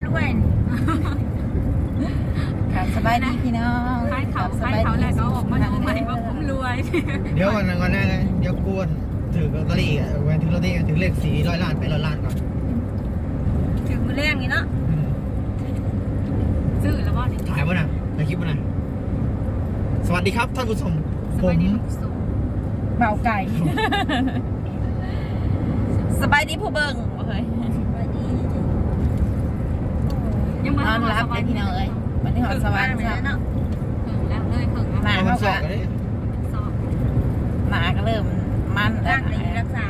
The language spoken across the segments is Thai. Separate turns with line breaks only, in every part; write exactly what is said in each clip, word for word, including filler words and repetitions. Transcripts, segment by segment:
ด้วยครับสบายดีพี่น้อง
ขายเขาขายเขาแล้วก็ออกมาดูใหม่ว่าผมรวย
เดี๋ยวก่อนก่อนหน้านะเดี๋ยวกวนถือลอตเตอรี่แวนถือลอตเตอรี่ถือเลขสี่ร้อยล้านไปร้อยล้านก่อน
ถึงมือแรงนี่เนาะ
ซื้อแล้วว่า
ถ่ายป่ะนะถ่ายคลิปป่ะนะสวัสดีครับท่านผู้ชมผม
เบาไก่สบายดีผู้เบิ่งเฮ้ยสบายดี
ยังมาน
อนรับเลยพี่น้องเอ้ยวันนี้ขอสวัสดีครับ
ถึงแล้วเลยถึงแล้ว
หนา
เอามา
เขา
สอบ
ก็
กันเลย
สอบ
หนาก็เริ่มมันแล้ว
รักษา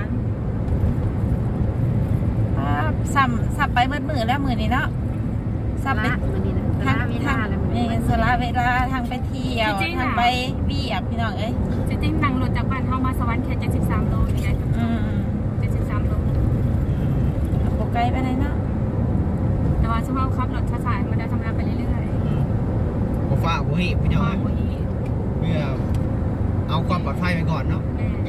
ซ้ำซ้ำไปมืดมือแล้วมือนี้เนาะซ้ำไปทางทางนี่สละเวลาทางไปเที่ยวทางไปเบียบพี่น้องเอ้ย
จริงๆนั่งรถจากบ้านเข้ามาสวรรค์แค่เจ็ดสิบสามโลนี่ไง
อืม
เจ็ดสิบสามโล
โปไกลไปไหนเนาะ
แต่ว่าช่วงขับรถช้าๆมันได้ทำงานไปเรื่อย
ผมฝากผมให้พี่
ๆ
น้อง
พอคุย
เพื่อเอาความปลอดภัยไปก่อนเนาะ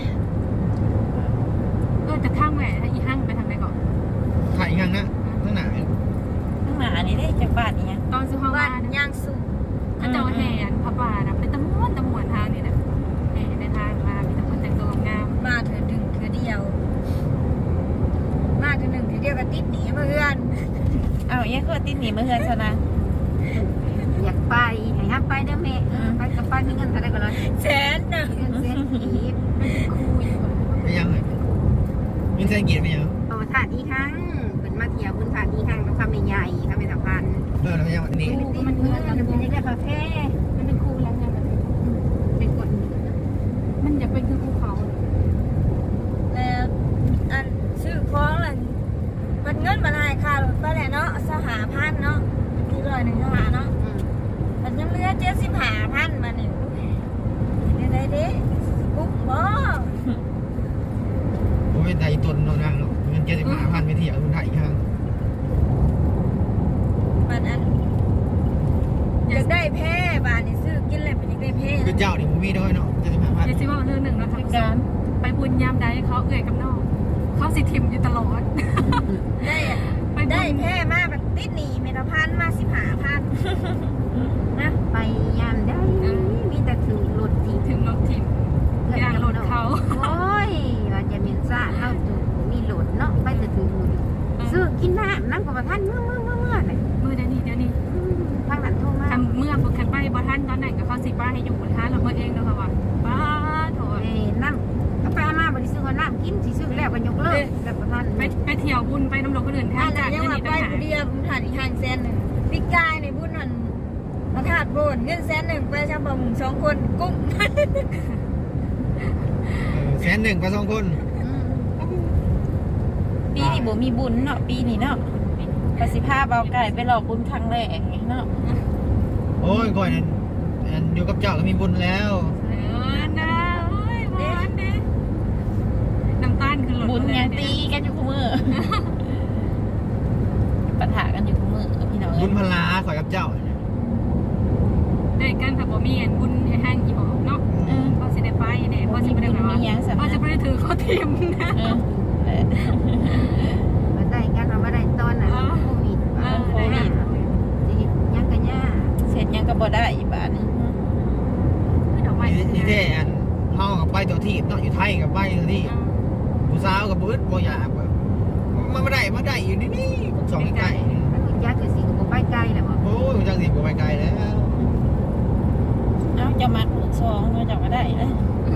เออแต่ข้างแหวนอีห้างไปทางไหนก่อน
ถ่ายอีกครั้งนะตั้งหนา
ข้างหน้านี่ได้จากบ้านนี่ยัง
ตอนซื้อห้อง
บ้า
บ้าน น
ย่างสูง
ถ้าเจ้าแห่พระบาทเป็นตะม้วนตะมวนทางนี่นะแห่ในทางมามีแต่คนแต่งตัวงาม
มาเถื่อดึงเถื่อเดียว มาเถื่อหนึ่งเถื่อเดียวก็ติดหนีมาเพื่อน
อ้าวยังคือติดหนีมาเฮือนซะนะ
อยากไปให้ฮับไปเด้อแม่เออไปกับป้ามีเงินเท่าไรก็เลย
แสนหนึ่ง
เงินเส้นอีฟ
คู่อยู่
ไม่ยังเลยมีเส้นกีดไม่ยัง
เอาถาดอีทั้งเป็นมาเที่ยวคุณถาดอีทั้งกับคำใหญ่ๆคำเป็นสำคัญ
เลิกแล้วไม่ยังวันนี้
มันเงินมันเป็นยังไงคาเฟ่
มันเป็นคู่แล้วไงมัน
เป็นกฎ
มันอยากเป็นคือภูเขา
แล้วอันซื้อของล่ะมันเงินมาได้ค่ารถไปแหละเนาะสหพันเนาะที่ร้อยหนึ่งสหเนาะมันยังเหลือเจ็ดสิบห้าพันมาเนี่ยได้ได้ดิปุ๊บบ่
ผมเป็นไทยตุนนนั่งเนาะเงินเจ็ดสิบห้าพันไปเที่ยวคุณถ่ายอีกครั้ง
มันอันอยากได้แพ้บาทนี่ซื้อกินเลยมันอยากได้แพ้
คือเจ้าเนี่ยผมมีด้วยเนาะเจ็ดสิบห้าพัน
เดี๋ยวซิว่าเรื่องหนึ่งเราทำ
การ
ไปบุญยามใดเขาเอื่อยกับน้องเขาสิทิมอยู่ตลอด
ได้อะ
ไป
ได้แพ้มาแบบติดหนีเมตรพันมาสิบห้าพันนะ
ไปยามได้มีแต่ถือรถที
ถึงรถทิมยางรถเขา
โอ้ยว่าจะมีซ่าเข้าจูมีรถเนาะไปแต่ถือซื้อกินน้ำน้ำกับท่านเมื่อเมื่อเมื่อเมื่อไหร่
มือเดี๋ยวนี้เดี๋ยวนี้
ทางนั้นโทรมา
ทำเมื่อบุกขันไปบ่ท่านตอนไหนก็เขาสิป้าให้อยู่ท่านเราเมื่อเองเนาะค่ะว่าป้าโถ
เอ้น้ำกาแฟมาบริสุทธิ์น้ำกินสิซื้อแล้วก็ยกเลิกแบบท่าน
ไปไปเที่ยวบุญไปน้ำลงคนอื่นแท
ถ้าน
จาก
ยัง
เงิน
มา
นี้
ไป
ต่างหาก
ผู้เดียวผมถ่ายอีกห้างแสนหนึ่งปีกายในบุญนั่นมาถาดโบนเงินแสนหนึ่งไปชาวบ้านสองคนกุ้ง
แสนหนึ่งไปสองคน
ปีนี้บ่มีบุญเนาะปีนี้เนาะประสิภาเบาไก่ไปหลอกบุญครั้งแรกเนาะ
โอ้ยก่อนนั้นอยู่กับเจ้าก็มีบุญแล้ว
เออนะโอ้ยบุญเด้น้ำตาลคือหลด
บุญยังตีกันอยู่คู่มือปะทะกันอยู่คู่มือพี่น้อง
บุ
เอ้
ญ
ย
พลาขอยกับเจ้า
ได้กันถ้าบ่มีอันบุญให้ห้างกี่บอกเนาะ
เออ
พอสิได้ไปเนี่ยพอสิบ่ได้แบบว่าพอจะบ่ได้ถือเขาทิมนะ
เออเออ
มาได้กันเราไม่ได้ตอนน่ะโควิด
เออได้นะ
จะเห็นยังกันย่า
เสร็จยังก็บ่ได้อีกบาทนึง
ดอกไม้
นี่นี่แท้อันเฮากับไปตัวที่เนาะอยู่ไทยกับไปตัวที่ผู้สาวกับบื้อบ่อยากมันไม่ได้มาได้อยู่นี่นี่สองใกล้
แล้วคุณย่าคือสิงคโปร์ไปไกลแหละบ่
โอ้ยจังสิบ่ไปไกลแล้ว
เอ้าจะมาลูกสองมาจะมาได้เลย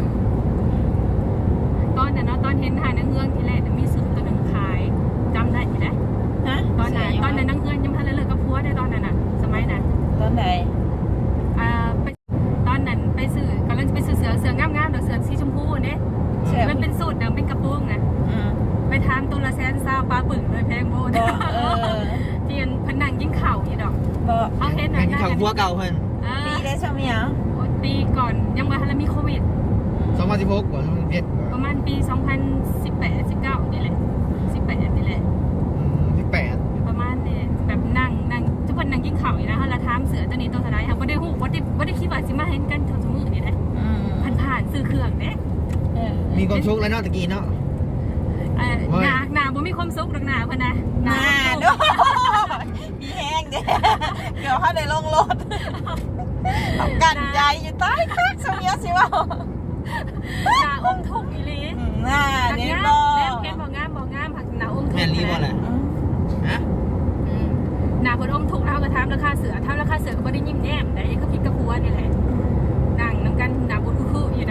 ตอนนั้นเนาะตอนเห็นหานังเงืองที่แรกมีสื่อตัวหนึ่งขายจำได้ไหมนะ
ฮะ
ตอนนั้นตอนนั้นนังเงืองยังพันเลยกับพัวได้ตอนนั้นน่ะสมัยนั้น
ตอนไหน
อ่าไปตอนนั้นไปซื้อกำลังจะไปซื้อเสือเสืองามๆเดี๋ยวเสือสีชมพูเนี่ย
เชื่อ
มันเป็นสูตรเดิมเป็นกระโปรงนะ
อืม
ไปทานตัวละแสนซาวปลาปึ่งเลยแพงโบ
บ่
นะ
เออ
เทียนพนังยิ่งเข่าอยู่ดอก
บ่
เขาเห็น
แม่
นะ
งเขาพัวเก่าเพิ่น
อ่า
ปีได้ใช่ไหมอ่ะ
ปีก่อนยังว่าฮันมีโควิด
สองพันสิบหกกว่าสองพันสิบเจ็ด
ประมาณปีสองพันสิบแปด สิบเก้านี่แหละสิบแปดนี่แหละ
สิบแปด
ประมาณนี้แบบนั่งนั่งทุกคนนั่งกินข้าวอยู่นะฮะแล้วถามเสือตัวนี้ตัวเท่าไหร่ค่ะบ่ได้ฮู้บ่ได้บ่ได้คิดว่าสิมาเห็นกันเท่าสมือนี่แหละ
อืม
ผ่านๆซื้อเครื่องเด้
เออ
มีความสุขแล้วเนาะตะกี้เนาะ
เอ่อหน้าหน้าบ่มีความสุขดอกหน้าเพิ่นนะ
หน้าด้วยมีแฮงเนี่ย เกือบเขาได้ลงรถต้องกันใจอยู่ใต้คักสมัยสิว่า
หนาอมถุกอีหลี
น่า
หัก
นี่
งาม
บ่
แนมเพชรบ่งามบ่งามหักหนาอมถุก
แม่นรีบ่แหละฮะ
อืมหนาคนอมถุกแล้วก็ทำราคาเสือทำราคาเสือก็บ่ได้ยิ้มแย้มแต่ยังก็พลิกกระพัวนี่แหละนั่งน้ำกันหนาบุญคืออยู่นะ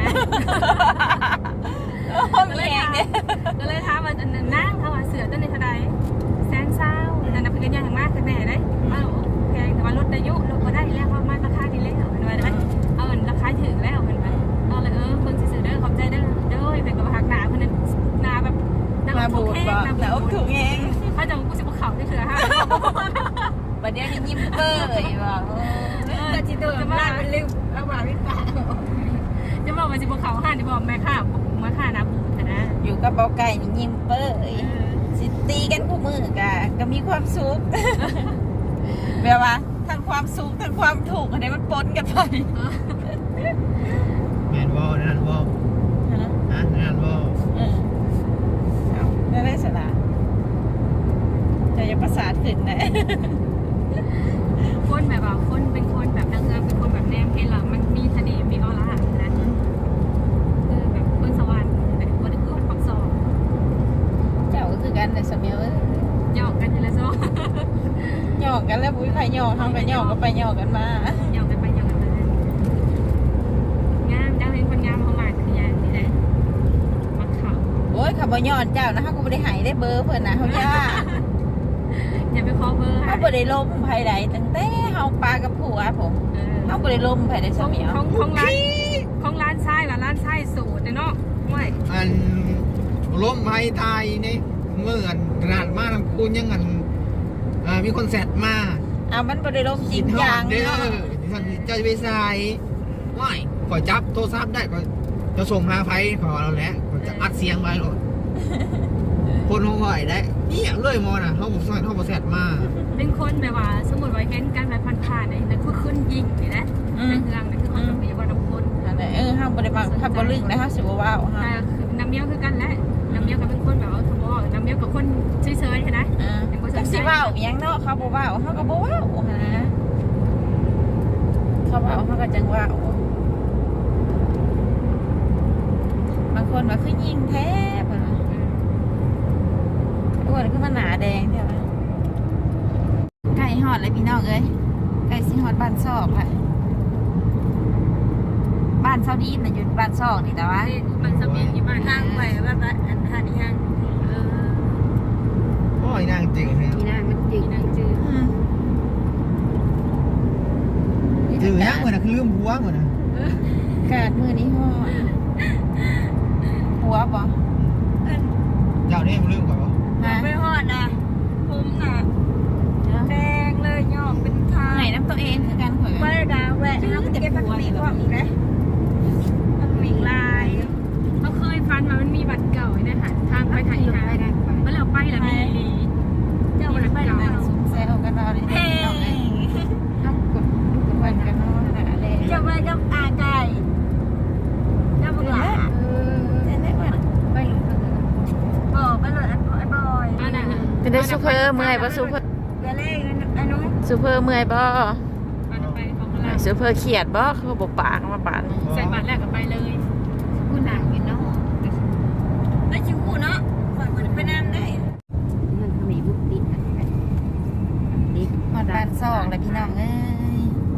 โอ้ยมีเองเนี่ย
ก็เลยถามว่านั่งเขาว่าเสือต้นในเท่าใดแสนเศร้านั่นน่ะเพิ่นยังมากกันแน่เลยว่าแพงแต่ว่ารถอายุรถบ่ได้แล้วเพราะมันราคาดีแล้วเห็นว่าได้เอาอันราคาถึงแล้วเห็นไหมเอาเลยเออเพิ่นสิซื้อเด้อขอบใจเด้อเด้อเป็นกับหักหนาเพิ่นนั้นหนาแบบหนา
มา
ถู
บู
ก
ด
แห้ง
บ่
หนา
แล้ว
บูด
ถูกเอง
เขาจะกูสิบ่เข้าได้เถื่อฮะ
บัดเดี๋ยวนี้ยิ้มเป้ยว่า
ก็จิตตัวได้เป็นลืมเอาว่าไม่ป่า
จะบอกว่าสิบ่เข้าห้านที่บอกแม่ค้ามาค่าหนาบูดนะ
อยู่กับเบาไก่นี่ยิ้มเป้ยสิตีกันคู่มือกะก็มีความสุข แบบว่าทั้งความสุขทั้งความถูกอันนี้มันปนกันไป
แม่นบ่นั่นบ่ฮะนั่นบ่
เออเอาได้ได้สนะจะยังประสาทขึ้นนะ
คนแบบว่าคนเป็นคนแบบนางเงือกเป็นคนแบบแนมเพลเรามันมีเสน่ห์มีออร่านะคือแบบคนสวรรค์แต่คนนึงคือปักซอก
เจ้าก็คือกันแต่สมัยเอ้ย
หยอกกันอยู่แล้วซ้อ
หยอกกันแล้วบุ้ยใครหยอกเขากันหยอกก็ไปหยอกกันมา
หยอกกันไปหยอกกันมางามจ้าเป็นคนงามเขามาคือยังนี่แหละมักเขา
โอ้ยขับยอดเจ้านะเขาก็ไม่ได้หายได้เบอร์เพื่อนนะเขาย่า
อย่าไปคอเบอร์
เขาไม่ได้ล้มภายใดตั้งแต่เขาปลากับผัวผมเขาไม่ได้ล้มภายใด
ข
ส
อง
มัย
ของของร้านของร้านไส้ว่าร้านไส้สูตรเนาะไม่
อันล้มภัยตายนี่เมื่ออันนานมาทำคุณยังอันอ่ามีคนแซดมา
เอามันไม่ได้ล้มจริง
ทอ
จั
ด
ง
เด้อ
เนาะ
ท่านเจ้าจะไปใส่ว่ายขอจับโทรศัพท์ได้ก็จะส่งหาไฟขอเราแหละก็จะอัดเสียงไว้หรอกคนห้องไหวได้เนี่ยเลื่อยมอน่ะเขาบอกเขาบอกแซดมา
เป็นคนแบบว่าสมมติว่าเห็นกันแบบผ่านๆเนี่ยคือขึ้นยิงนี่นะในเมืองนี่คือคนแบบนี้ว่าน้ำคน
อันนั้นเออเขาไม่ได้มาขับบอลลึงนะเขาสิบว่าว
แต่
ฮะ
คือน้ำเมี้ยวคือกันแหละน้ำเมี้ยวก็เป็นคนแบบว่าเขาบอกน้ำเมี้ยวกับคนเฉยๆใช่ไหม
อ่าจักสิว่าวอยังเนาะเขาบอกว่าวเขาก็บอกว่าวนะเขาว่าวเขาก็จังว่าวบางคนว่าคือยิงแท้ป่ะอ้วนคือมันหนาแดงใช่ไหมไก่หอดเลยพี่น้องเอ้ยไก่สิหอดบ้านซอกแหละบ้านเซาดีนน่ะอยู่บ้านซอกนี่แต่ว่า
มันสมีอยู่บ้าน
ทางไปแบบว่าอันทานยัง
เออ
โอ้ยนางจริงเนี่ย
นี่นะมันจริง
นางจืด
จือยังเหมือนนะคือลืมหัวเหมือนนะ
กาดมือนี้ห่อหัวบ่
เจ้าเนี่ยลืมก่อนวะ
ฮะ
ไปหอดนะผมน่ะแดงเลยย่อมเป็นทาง
ไหนน้ำตัวเองคือกันข่อย
ไปดาแหวะน้ำเก็บผักมีความอีกนะผักมีลาย
เขาเคยฟันมามันมีบัตรเก่าเนี่ยค่ะทางไปทางอีกทางเมื่อเราไปแล้วมีลี
เจ้าไปเก่า
ซุ่มแซวกันเอาเลย
เฮ้
น้องเอ้ยต้องกดวันกันเนาะนะอะไร
เจ้าไปกับอาไก่เจ้าบอกหลา
เออเต้นได้บ่
ไปหลุดกันเลย
บอกไปเลยไอ้บอย
อันนั้น
เป็นได้ซูเปอร์เมื่อยบ่ซูเปอร์
เดี๋ยวเล่นไอ้นุ้ง
ซูเปอร์เมื่อยบ่
อันไปของเรา
ซูเปอร์เขียดบ่เขาบอกปากมาปาด
ใส่บัตรแรกก็ไปเลย
ผู้หนังอยู่เนาะ
แล้วชิวเนาะคอยมันไปน้ำได้
มันทำไมบุกติดกันดิ
ฮอดบ้านซอกเลยพี่น้องเอ้ย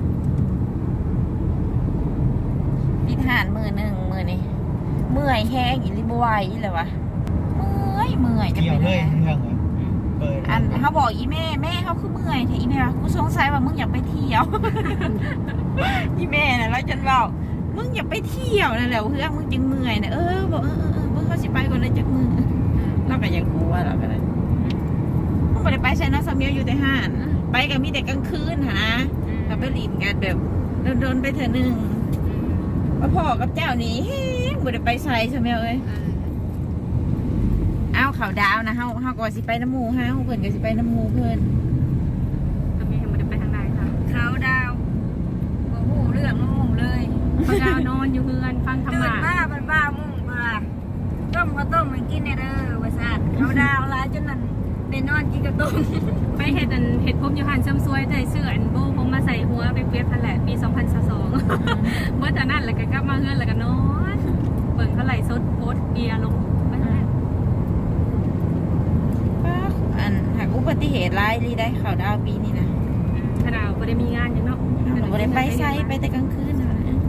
ปิดหานมือหนึ่งมือนี่เมื่อยแห้งอีหลิบไหวเลยวะเมื่อยเมื่อยจะ
เกี่ย
เป็
วน เลย
ยังไง
เรื่องเลยเปิด
อันเขาบอกอีแม่แม่เขาคือเมื่อยแต่อีแม่ว่ากูสงสัยว่ามึงอยากไปเที่ยว อีแม่น่ะแล้วฉันบอกมึงอยากไปเที่ยวนั่นแหละเพื่อนมึงจึงเมื่อยนะเออบอกเออเออเออมึงเขาสิไปก่อนเลยจากมือเราก็ยังกลัวเราก็เลยมึงไม่ได้ไปใช่เนาะสามีอยู่แต่ห้านไปกับมีแต่กลางคืนหาเราไปหลินกันแบบโดนๆไปเถอะหนึ่งว่าพ่อกับเจ้านี่เฮ้ยไม่ได้ไปใส่สามีเอ้ยเอาเขาดาวนะเฮาเฮาก็สิไปน้ำหมูเฮาเพิ่นก็สิไปน้ำหมูเพิ่น
ทำไมยังไม่ได้ไปทางใดค่ะ
เขาดาวโอ้โหเรื่องน้องเลย
พดาวนอนอยู่เฮือนฟังธรร
ตื่น
มะ
มาเป็นบ้ามุ่งมาต้มข้าวต้มมันกินในเด้อว่าซาดเขาดาวร้ายจนนั่นได้นอนกินข้าวต้ม
ไปเห็ดอันเห็ดผมอยู่หันเสริมสวยได้ซื้ออันโบผมมาใส่หัวไปเปียบพันแหละปีสองพันสิบสองเมื่อแต่นั้นแล้วก็กลับมาเฮือนแล้วก็นอนเบิ่งเขาไหลสดโพสเบียร์ลงไปแล้ว
ป้าอันหากอุบัติเหตุร้ายรีได้ข่าวดาวปีนี้นะ
ขนาดบ่ได้มีงานยังเนาะ
หนูบ่ได้ไปไซไปแต่กลางคืนนะ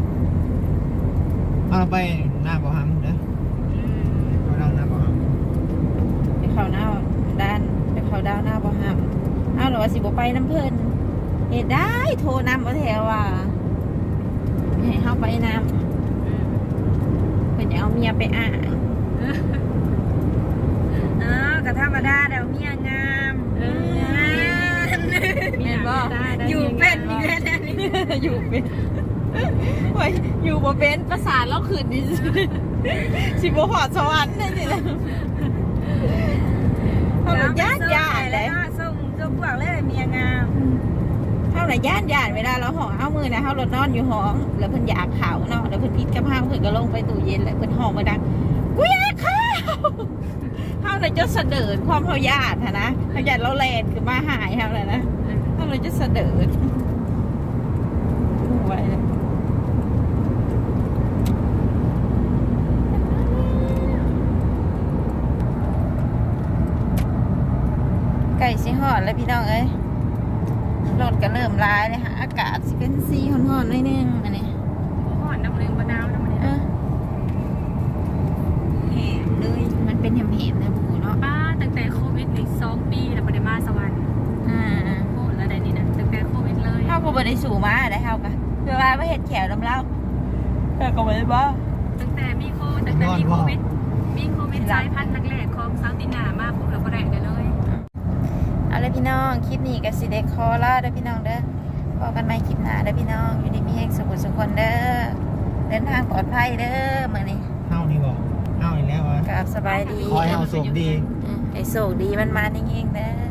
เอาไปหน้าบ่อหำเด้อเอาเราหน้าบ่อห
ไปข่าวหน้าด้านไปข่าวดาวหน้าบ่ห้ามเอาหรือว่าสิบ่ไปน้ำเพิ่นเหตุได้โทรนำเอาแถวว่าให้เฮาไปนำเพิ่นจะเอาเมียไปอ่าง
อ๋อก็ธรรมดาเดี๋ยวเมียงาม
เออ
เห็นบ่
อยู่เป็นอีกแล้วเนี่ยนี่
อยู่เป็นโอ้ยอยู่บ่เป็นประสาทแล้วขืนนี่ สิบ่หอดสวรรค์ได้นี่แหละเฮาละย่านย่านเลย
ส่งส่งพวกเลยเมียงาม
เฮาละย่านย่านเวลาเราห้องเอามือนะเฮารถนอนอยู่ห้อง แล้วเพิ่นอยากข้าวเนาะแล้วเพิ่นพิดกับเฮาเพิ่นก็ลงไปตู้เย็นแล้วเพิ่นห้องมาดังกูอยากข้าวเฮาเลยจะเสดิร์ดความเฮาญาติหั้นนะเฮาญาติเราแล่นขึ้นมาหายเฮาเลยนะเฮาเลยจะเสดิร์ดไว้เลยไก่สิฮอดแล้วพี่น้องเอ้ยรถก็เริ่มร้ายเลยค่ะอากาศสิเป็นสีฮ้อนๆหน่อยนึงอันนี้
ห่อนน้ำเลืองมะนาวน้ำมัน
เออแหมเลยมันเป็นแหมๆนะบูเนาะ
ป้าตั้งแต่โควิดนี่สองปีแล้วบ่ได้มาสวรรค์
อ่า
โคตรแล้วได้นี่นะตั้งแต่โควิดเลย
เฮาก็บ่ได้สู่มาได้เฮาก็เพื่อว่าบ่เฮ็ดแขวน้ำเล่าแต่ก็บ่ได้บ่
ตั้งแต่มีโคตั้งแต่มีโควิดมีโควิดสายพันธุ์แรกๆของเซาท์ตินามาปุ๊บเราก็ได้ได้เลย
เอาเลยพี่น้องคลิปนี้ก็สิได้ขอลาเด้อพี่น้องเด้อพบกันใหม่คลิปหน้าเด้อพี่น้องอยู่ดีมีแรงสุขสุขคนเด้อเดินทางปลอดภัยเด้อมื้อนี้
ำเฮานี่บอกเฮาอีกแล้ววะ
กราบสบายดี
ขอให้เฮาสุขดี
อืมให้โชคดีมันมาจริงๆเด้อ